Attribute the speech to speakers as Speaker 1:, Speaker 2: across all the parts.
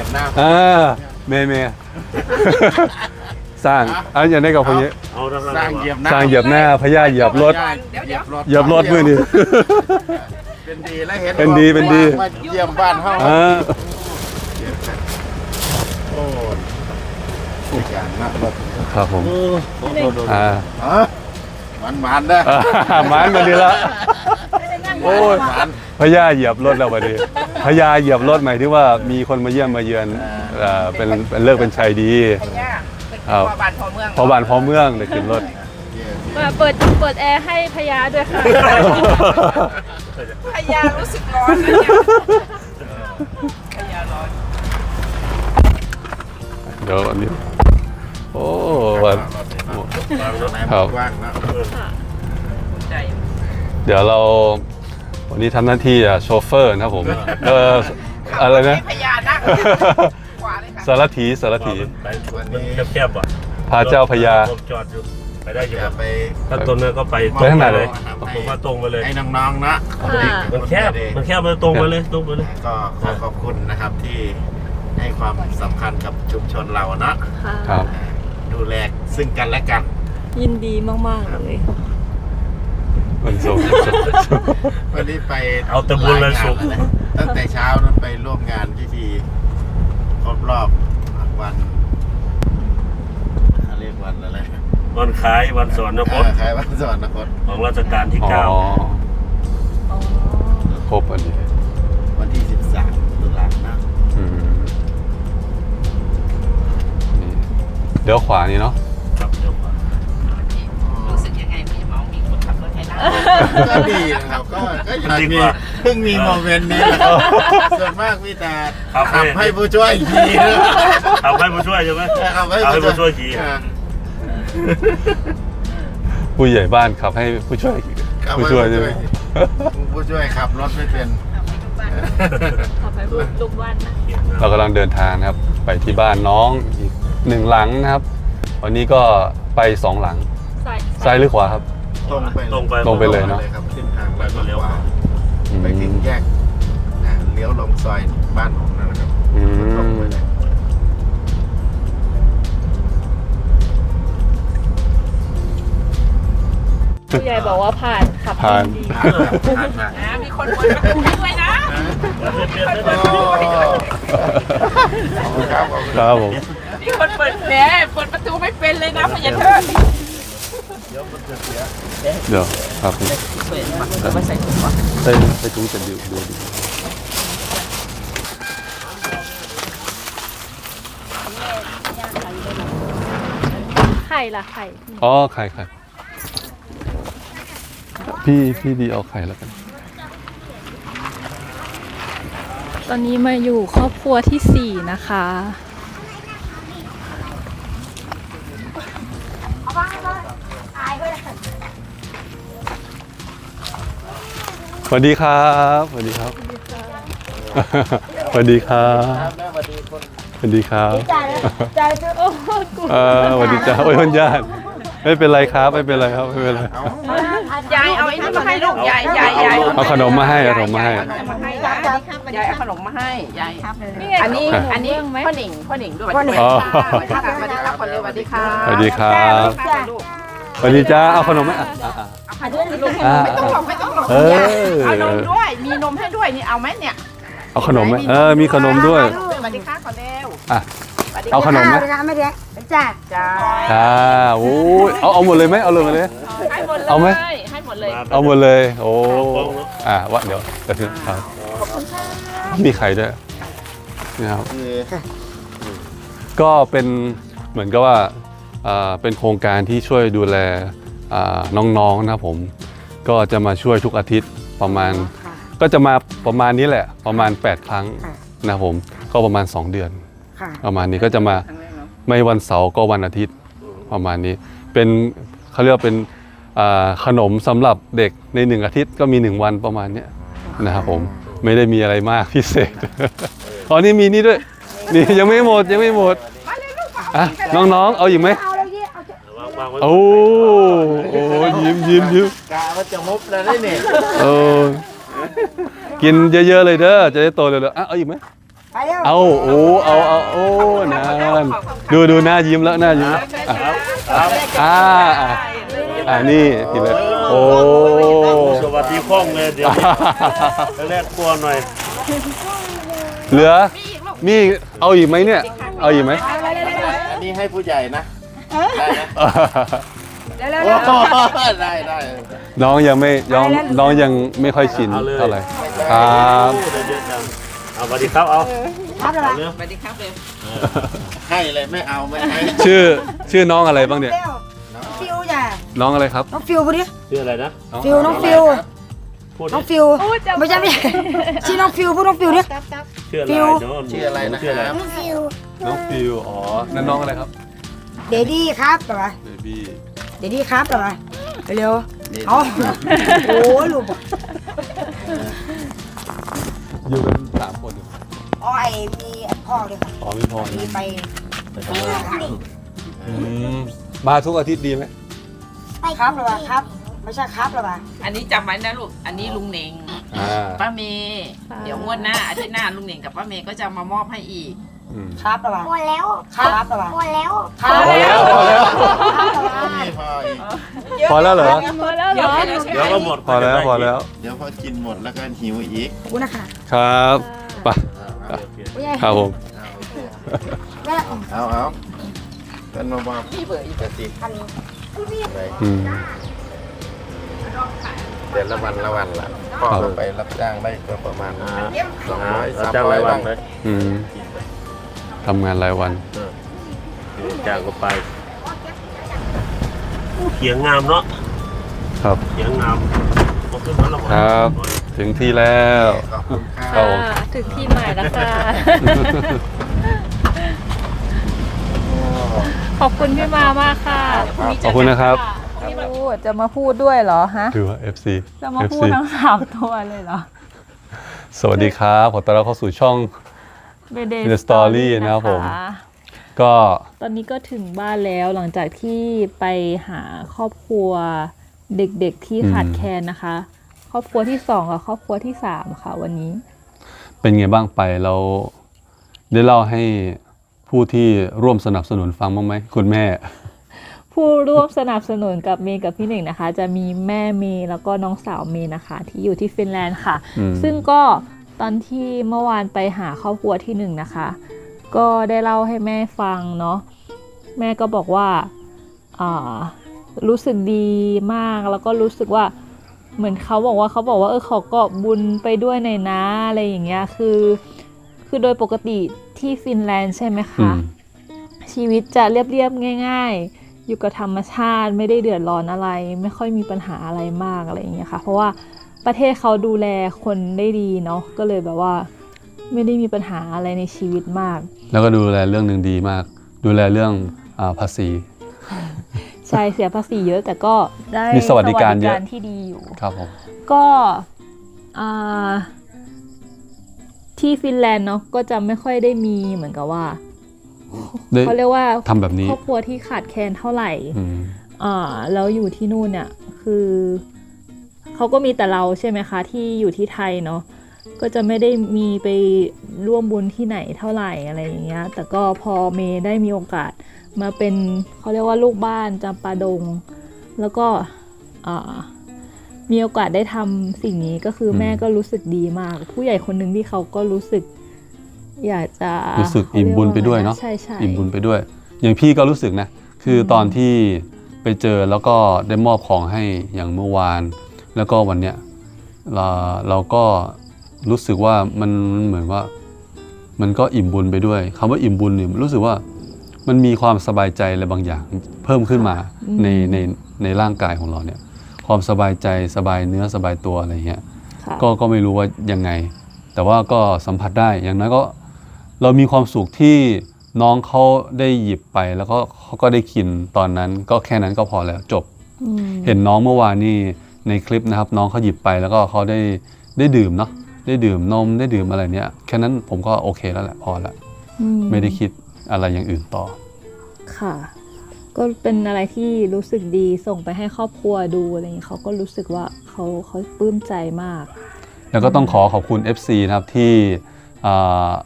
Speaker 1: เมสร้างอย่างนี้กับคนนี้
Speaker 2: สร้างเห
Speaker 1: ยียบหน้าพญาเหยียบรถเหยียบรถมือนี่
Speaker 2: เป็นดีและเห็น
Speaker 1: เป็นดี
Speaker 2: มาเยี่ยมบ้านเฮาโอ้ยการนักรถ
Speaker 1: ครับผม
Speaker 2: มันเด้อ
Speaker 1: มันมาดีละโอ้ยพญาเหยียบรถแล้ววันนี้พญาเหยียบรถหมายถึงว่ามีคนมาเยี่ยมมาเยือนเป็นเลิกเป็นชัยดีพอบ้านพอเมืองเดี๋ยวขึ้นรถ
Speaker 3: มาเปิดแอร์ให้พญาด้วยค่ะพญารู้สึกร้อนนะเนี่ยพญาร้อน
Speaker 1: เดี๋ยวอันนี้โอ้วันครับเดี๋ยวเราวันนี้ทำหน้าที่โชเฟอร์นะครับผมอะไรนะสารถี
Speaker 4: แคบๆอ่ะ
Speaker 1: พาเจ้าพญา
Speaker 4: จอดอยู่ไปได้อยู่ไปถ้าต้นนั้นก็ไป
Speaker 1: ข้างหน้าเลย
Speaker 4: ผมว่าตรงไปเลย
Speaker 2: ให้น้องๆนะ
Speaker 4: มันแคบเลยตรงไปเลย
Speaker 2: ก็ขอบคุณนะครับที่ให้ความสำคัญกับชุมชนเรา
Speaker 1: นะครับ
Speaker 2: ดูแลซึ่งกันและกัน
Speaker 3: ยินดีมากๆเลย
Speaker 1: วันศุกร์
Speaker 2: วันนี้ไป
Speaker 4: เอาตะบุญวันศุกร์
Speaker 2: ตั้งแต่เช้านั้นไปร่วมงานพิธีครบรอบวันเรียกวันอะไร
Speaker 4: วันคล้ายวันสวรรคต
Speaker 2: คล้ายวันสวรรคต
Speaker 4: ของรัชกาลที่9
Speaker 1: ครบวันนี้
Speaker 2: วันที่13ตุลาคม
Speaker 1: เดี๋ยวขวานี่เนาะ
Speaker 4: ครับเดี๋ยวขวา
Speaker 3: รู้สึกยังไงมีคนขับรถให้นั่ง
Speaker 2: ก็ดีนะครับก็อย่างนี้เพิ่งมีโมเมนต์นี้ส่วนมากมีแต่ขับให้ผู้ช่วยขี่
Speaker 4: ขับให้ผู้ช่วยใช่ไหม
Speaker 2: ขับให้ผู้ช่วย
Speaker 4: ขี่
Speaker 1: ผู้ใหญ่บ้านขับให้ผู้ช่วยใช่ไหม
Speaker 2: ผู้ช่วยขับรถไม่เป็น
Speaker 3: ขับให้ลูกบ้านนะ
Speaker 1: เรากำลังเดินทางนะครับไปที่บ้านน้องอีก1 หลังนะครับวันนี้ก็ไป2 หลังซ้ายหรือขวาครับ
Speaker 2: ต
Speaker 1: รงไปเลยเนาะ
Speaker 2: ขึ้นทางแล้วก็เลี้ยวไปถึงแยกเลี้ยวลงซอยบ้านผมนั่นแหละครับตรงไปเลย
Speaker 3: ผู้ใหญ่บอกว่าผ่านขับดีมีคนวนประตูด้วยนะ
Speaker 1: ครับผม
Speaker 3: มีคนเปิดแหน่เปิดประตูไม่เป็นเลยนะพญาเทิด
Speaker 1: เดี๋ยวครับ
Speaker 3: มาใส่ถุงวะ
Speaker 1: ใส่ถุงจะดู
Speaker 3: ไข่ล่ะไข่
Speaker 1: อ๋อไข่พี่ดีเอาไข่แล้วกัน
Speaker 3: ตอนนี้มาอยู่ครอบครัวที่4นะคะ
Speaker 1: สวัสดีครับสวัสดีครับสวัสดีครับสวัสดีครับ
Speaker 3: ใจโอ้
Speaker 1: สวัสดีจ้าโอ้ยคนญาติไม่เป็นไรครับไม่เป็นไรครับไม่เป็นไร
Speaker 3: ยายเอาไอ้นี่มาให้ลูกยาย
Speaker 1: เอาขนมมาให้เอาขนมมาให้
Speaker 3: ยายเอาขนมมาให้ยายอันนี้พ่อหนิงด้วยสวัสดีครับสวัสดีครับ
Speaker 1: สวัสดีครับสวัสดีจ้าเอาขนมไหม
Speaker 3: ไม่ต้องเอานมด้วยมีนมให้ด้วยนี่เอาไหมเนี่ย
Speaker 1: เอาขนมไหมมีขนมด้วย
Speaker 3: สวัสดีค่ะขอเร็ว
Speaker 1: เอาขนมไหม
Speaker 3: ไม่ได้จ้า
Speaker 1: โอ้ยเอาหมดเลยไหมเอาเลยมาเลยเอาไหม
Speaker 3: ให้หมดเลย
Speaker 1: เอาหมดเลยโอ้วะเดี๋ยวถึงครับมีไข่ด้วยนะครับก็เป็นเหมือนกับว่าเป็นโครงการที่ช่วยดูแลน้องๆนะครับผมก็จะมาช่วยทุกอาทิตย์ประมาณก็จะมาประมาณนี้แหละประมาณ8 ครั้งนะครับผมก็ประมาณ2 เดือนประมาณนี้ก็จะมาไม่วันเสาร์ก็วันอาทิตย์ประมาณนี้เป็นเขาเรียกว่าเป็นขนมสำหรับเด็กใน1 อาทิตย์ก็มี1 วันประมาณนี้นะครับผมไม่ได้มีอะไรมากพิเศษอ๋อนี่มีนี่ด้วยนี่ยังไม่หมดน้องๆเอาอีกไหมโอ้ยิ้ม
Speaker 2: กะว่าจะมุบแล้วนี่
Speaker 1: กินเยอะๆเลยเด้อจะได้โตเร็วๆเอาอีกไหม
Speaker 5: ไปเร็ว
Speaker 1: เอาโอ้โอ้นานดูหน้ายิ้มแล้วหน้ายิ้มแล้วนี่พี่เล็กโอ้
Speaker 4: สวัสดีพ่องเลยเดี๋ยวแรกกลัวหน่อย
Speaker 1: เหลือมีเอาอีกไหมเนี่ยเอาอีกไหม
Speaker 2: อันนี้ให้ผู้ใหญ่นะได้นะ
Speaker 5: เร็ว
Speaker 2: โอ้ได้ได้
Speaker 1: น้องยังไม่ค่อยชินเท่าไหร่ครับ
Speaker 4: เยอะจังเอาสวัสดีครับเอา
Speaker 5: ครับเลย
Speaker 4: เร็ว
Speaker 2: ให้เลยไม่เอาไม่ให้
Speaker 1: ชื่อน้องอะไรบ้างเนี่ย
Speaker 5: เร็วฟิวจ้ะ
Speaker 1: น้องอะไรครับ
Speaker 5: น้องฟิวพูดดิ
Speaker 4: ชื่ออะไรนะ
Speaker 5: ฟิวน้องฟิว
Speaker 4: พูด
Speaker 5: น้องฟิวไม่ใช่ชื่อน้องฟิวพูดน้องฟิวดิ
Speaker 4: ชื่ออะไรเนาะ
Speaker 2: ชื่ออะไรนะครับ
Speaker 5: น้องฟิว
Speaker 1: น้องฟิวอ๋อนั่นน้องอะไรครับ
Speaker 5: เดดี้ครับแบบว่า
Speaker 1: เบบี้
Speaker 5: เดดี้ครับแบบว่าเร็วเอาโอ้ลูก
Speaker 1: อยู่กัน3 คนอยู่
Speaker 5: อ้อยมีพ่อเลยครับ
Speaker 1: อ๋อมีพอ
Speaker 5: มีไป
Speaker 1: มาทุกอาทิตย์ดีไหม
Speaker 5: ครับแบบว่าครับไม่ใช่ครับแบบว่า
Speaker 6: อันนี้จำไว้นะลูก อันนี้ลุงเหน่ง ป้าเมย์เดี๋ยวงวดหน้าอาทิตย์หน้าลุงเหน่งกับป้าเมย์ก็จะมามอบให้อีก
Speaker 5: ครับแบบว่า
Speaker 7: พอแล้ว
Speaker 5: ครับแบบว่า
Speaker 7: พอแล้ว
Speaker 5: ครับ
Speaker 1: พอแล้ว
Speaker 2: นี่พออีก
Speaker 1: พอแล้วเหรอ
Speaker 3: หมดแล้วเหรอ
Speaker 4: เดี๋ยวก็หมด
Speaker 1: พอแล้ว
Speaker 2: เดี๋ยวพอกินหมดแล้วก็หิวอีก
Speaker 5: ขอบคุณนะคะ
Speaker 1: ครับไป
Speaker 5: ผู้ใหญ่
Speaker 1: ครับผม
Speaker 5: แม่
Speaker 2: เอาเป็นมาบอกพี่เบอร์อีกสิ
Speaker 5: อันนี้
Speaker 2: เดือนละวันละพ่อลงไปรับจ้างได้ก็ประมาณ200
Speaker 4: จ้างราย
Speaker 2: 300
Speaker 4: วั
Speaker 2: บ้าน ง
Speaker 4: เลย
Speaker 1: ทำงานรายวัน
Speaker 4: จ้างก็ไปเขียงงามเนาะ
Speaker 1: ครับ
Speaker 4: เขียงงามเอาขึ้นมาแล้ว
Speaker 1: ครับ ถึงที่แล้ว
Speaker 2: ขอบคุณค
Speaker 1: ครั
Speaker 2: รั
Speaker 1: บบ ผม
Speaker 3: ถึงที่ใหม่แล้วค่ะ ขอบคุณพี่มามากค่ะ
Speaker 1: ขอบคุณนะครับ
Speaker 3: พูดจะมาพูดด้วยเหรอฮะ
Speaker 1: ถือว่า FC
Speaker 3: จะมาพูดทั้ง3 ตัวเลยเหรอ
Speaker 1: สวัสดีครับขอต้อนรับเข้าสู่ช่อง
Speaker 3: Mayday
Speaker 1: The Story นะครับผม ก็
Speaker 3: ตอนนี้ก็ถึงบ้านแล้วหลังจากที่ไปหาครอบครัวเด็กๆที่ขาดแคลนนะคะ ครอบครัวที่2กับครอบครัวที่3ค่ะวันนี้
Speaker 1: เป็นไงบ้างไปเราได้เล่าให้ผู้ที่ร่วมสนับสนุนฟังบ้างไหมคุณแม่
Speaker 3: ผู้ร่วมสนับสนุนกับเมย์กับพี่หนึ่งนะคะ จะมีแม่เมย์แล้วก็น้องสาวเมย์นะคะ ที่อยู่ที่ฟินแลนด์ค่ะ ซึ่งก็ตอนที่เมื่อวานไปหาครอบครัวที่1นะคะ ก็ได้เล่าให้แม่ฟังเนาะแม่ก็บอกว่ารู้สึกดีมากแล้วก็รู้สึกว่าเหมือนเขาบอกว่าเขาก็บุญไปด้วยในนะอะไรอย่างเงี้ยคือโดยปกติที่ฟินแลนด์ใช่ไหมคะชีวิตจะเรียบๆง่ายๆอยู่กับธรรมชาติไม่ได้เดือดร้อนอะไรไม่ค่อยมีปัญหาอะไรมากอะไรอย่างเงี้ยค่ะเพราะว่าประเทศเขาดูแลคนได้ดีเนาะก็เลยแบบว่าไม่ได้มีปัญหาอะไรในชีวิตมาก
Speaker 1: แล้วก็ดูแลเรื่องหนึ่งดีมาก ดูแลเรื่องภาษี
Speaker 3: ใช่เสียภาษีเยอะแต่ก็ได้
Speaker 1: มีสวัสดิการเยอะ
Speaker 3: ที่ดีอยู่
Speaker 1: ครับผม
Speaker 3: ก็ที่ฟินแลนด์เนาะก็จะไม่ค่อยได้มีเหมือนกับว่า
Speaker 1: ได้
Speaker 3: เขาเรียกว่า
Speaker 1: ทำแบบนี้
Speaker 3: ครอบครัวที่ขาดแคลนเท่าไหร่
Speaker 1: อืม
Speaker 3: แล้วอยู่ที่นู่นเนี่ยคือเขาก็มีแต่เราใช่ไหมคะที่อยู่ที่ไทยเนาะก็จะไม่ได้มีไปร่วมบุญที่ไหนเท่าไหร่อะไรอย่างเงี้ยแต่ก็พอเมย์ได้มีโอกาสมาเป็นเขาเรียกว่าลูกบ้านจำปาดง แล้วก็มีโอกาสได้ทำสิ่งนี้ก็คือแม่ก็รู้สึกดีมาก ผู้ใหญ่คนหนึ่งที่เขาก็รู้สึกอยากจะ
Speaker 1: รู้สึกอิ่มบุญไปด้วยเนาะ
Speaker 3: ใช่ใช่
Speaker 1: อิ่มบุญไปด้วย อย่างพี่ก็รู้สึกนะคือตอนที่ไปเจอแล้วก็ได้มอบของให้อย่างเมื่อวาน แล้วก็วันเนี้ยเราก็รู้สึกว่ามันเหมือนว่ามันก็อิ่มบุญไปด้วยคำว่าอิ่มบุญเนี่ยรู้สึกว่ามันมีความสบายใจอะไรบางอย่างเพิ่มขึ้นมาในร่างกายของเราเนี่ยความสบายใจสบายเนื้อสบายตัวอะไรเงี้ย
Speaker 3: ค่ะ
Speaker 1: ก็ไม่รู้ว่ายังไง แต่ว่าก็สัมผัสได้อย่างน้อยก็เรามีความสุขที่น้องเขาได้หยิบไปแล้วก็เขาก็ได้กินตอนนั้นก็แค่นั้นก็พอแล้วจบ เห็นน้องเมื่อวานนี่ในคลิปนะครับน้องเขาหยิบไปแล้วก็เขาได้ดื่มเนาะได้ดื่มนมได้ดื่มอะไรเนี้ยแค่นั้นผมก็โอเคแล้วแหละพอละไม่ได้คิดอะไรอย่างอื่นต่อ
Speaker 3: ค่ะ ก็เป็นอะไรที่รู้สึกดีส่งไปให้ครอบครัวดูอะไรอย่างนี้เขาก็รู้สึกว่าเขาปลื้มใจมาก
Speaker 1: แล้วก็ต้องขอบคุณ FC นะครับที่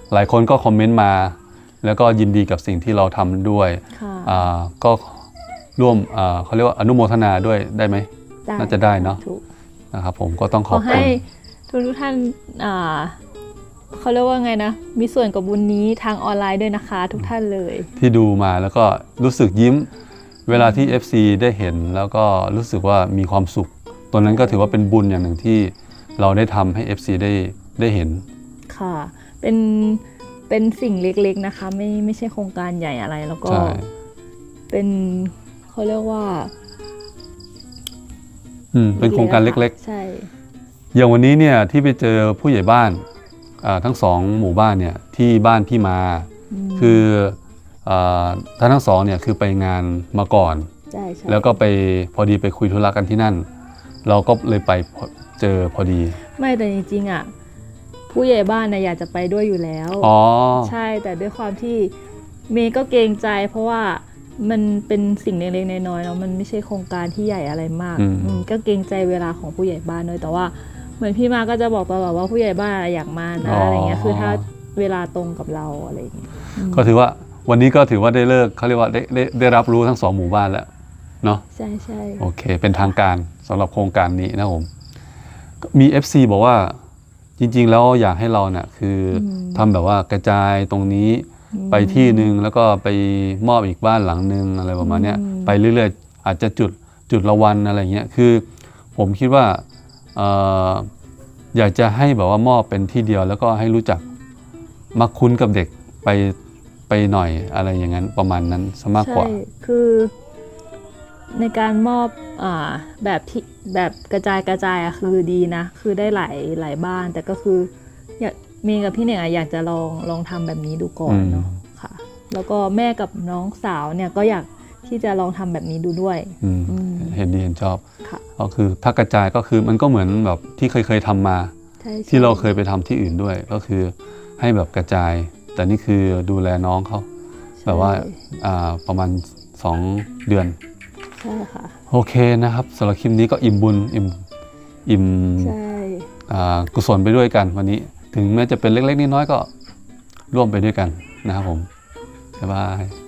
Speaker 1: หลายคนก็คอมเมนต์มา แล้วก็ยินดีกับสิ่งที่เราทำด้วย
Speaker 3: ค่ะ
Speaker 1: ก็ร่วมเขาเรียกว่าอนุโมทนาด้วยได้ไหม น่าจะได้เนาะ
Speaker 3: ถูก
Speaker 1: นะครับผมก็ต้องข
Speaker 3: ข
Speaker 1: อ
Speaker 3: อบ
Speaker 1: คุ
Speaker 3: ให้
Speaker 1: ณ
Speaker 3: ทุกท่านเขาเรียกว่าไงนะ มีส่วนกับบุญนี้ทางออนไลน์ด้วยนะคะ ทุกท่านเลย
Speaker 1: ที่ดูมาแล้วก็รู้สึกยิ้มเวลาที่ FC ได้เห็นแล้วก็รู้สึกว่ามีความสุขตัวนั้นก็ถือว่าเป็นบุญอย่างหนึ่งที่เราได้ทำให้ FC ได้เห็น
Speaker 3: ค่ะ เป็นสิ่งเล็กๆนะคะ ไม่ใช่โครงการใหญ่อะไร แล้วก็
Speaker 1: ใช่
Speaker 3: เป็นเขาเรียกว่า
Speaker 1: เป็นโครงการเล็ก
Speaker 3: ใช่
Speaker 1: ๆ อย่างวันนี้เนี่ยที่ไปเจอผู้ใหญ่บ้านทั้งสองหมู่บ้านเนี่ยที่บ้านพี่มา คือท่านทั้งสองเนี่ยคือไปงานมาก่อน
Speaker 3: ใช่
Speaker 1: แล้วก็ไปพอดีไปคุยธุระกันที่นั่น เราก็เลยไปเจอพอดี
Speaker 3: ไม่แต่จริงๆอ่ะผู้ใหญ่บ้านนะอยากจะไปด้วยอยู่แล้ว
Speaker 1: อ๋อ
Speaker 3: ใช่แต่ด้วยความที่เมย์ก็เกรงใจ เพราะว่ามันเป็นสิ่งเล็กๆน้อยๆเนาะมันไม่ใช่โครงการที่ใหญ่อะไรมากก็เกรงใจเวลาของผู้ใหญ่บ้านด้วยแต่ว่าเหมือนพี่มาก็จะบอกตลอดว่าผู้ใหญ่บ้านอยากมานะอะไรเงี้ยคือถ้าเวลาตรงกับเราอะไรอย่างเงี้ย
Speaker 1: ก็ถือว่าวันนี้ก็ถือว่าได้เลิกเขาเรียกว่าได้รับรู้ทั้งสองหมู่บ้านแล้วเนาะ
Speaker 3: ใช่ใช่
Speaker 1: โอเคเป็นทางการสำหรับโครงการนี้นะผมมี FC บอกว่าจริงๆแล้วอยากให้เราเนี่ยคือทำแบบว่ากระจายตรงนี้ไปที่หนึ่งแล้วก็ไปมอบอีกบ้านหลังหนึ่งอะไรประมาณเนี้ยไปเรื่อยๆอาจจะจุดละวันอะไรเงี้ยคือผมคิดว่าอยากจะให้แบบว่ามอบเป็นที่เดียวแล้วก็ให้รู้จักมักคุ้นกับเด็กไปหน่อยอะไรอย่างนั้นประมาณนั้นซะมากกว่า
Speaker 3: ใช่คือในการมอบแบบกระจายอะคือดีนะคือได้หลายบ้านแต่ก็คืออยากเมย์กับพี่เน่งอยากจะลองทำแบบนี้ดูก่อนเนาะค่ะแล้วก็แม่กับน้องสาวเนี่ยก็อยากที่จะลองทำแบบนี้ดูด้วย
Speaker 1: เห็นดีเห็นชอบ
Speaker 3: ค่ะ
Speaker 1: ก็คือถ้ากระจายก็คือมันก็เหมือนแบบที่เคยทำมา
Speaker 3: ใช่
Speaker 1: ที่เราเคยไปทำที่อื่นด้วยก็คือให้แบบกระจายแต่นี่คือดูแลน้องเขาแบบว่าประมาณ2 เดือน
Speaker 3: ใช่ค่ะ
Speaker 1: โอเคนะครับสำหรับคลิปนี้ก็อิ่มบุญอิ่ม
Speaker 3: ใช่
Speaker 1: กุศลไปด้วยกันวันนี้ถึงแม้จะเป็นเล็กๆน้อยๆก็ร่วมไปด้วยกันนะครับผมบ๊ายบาย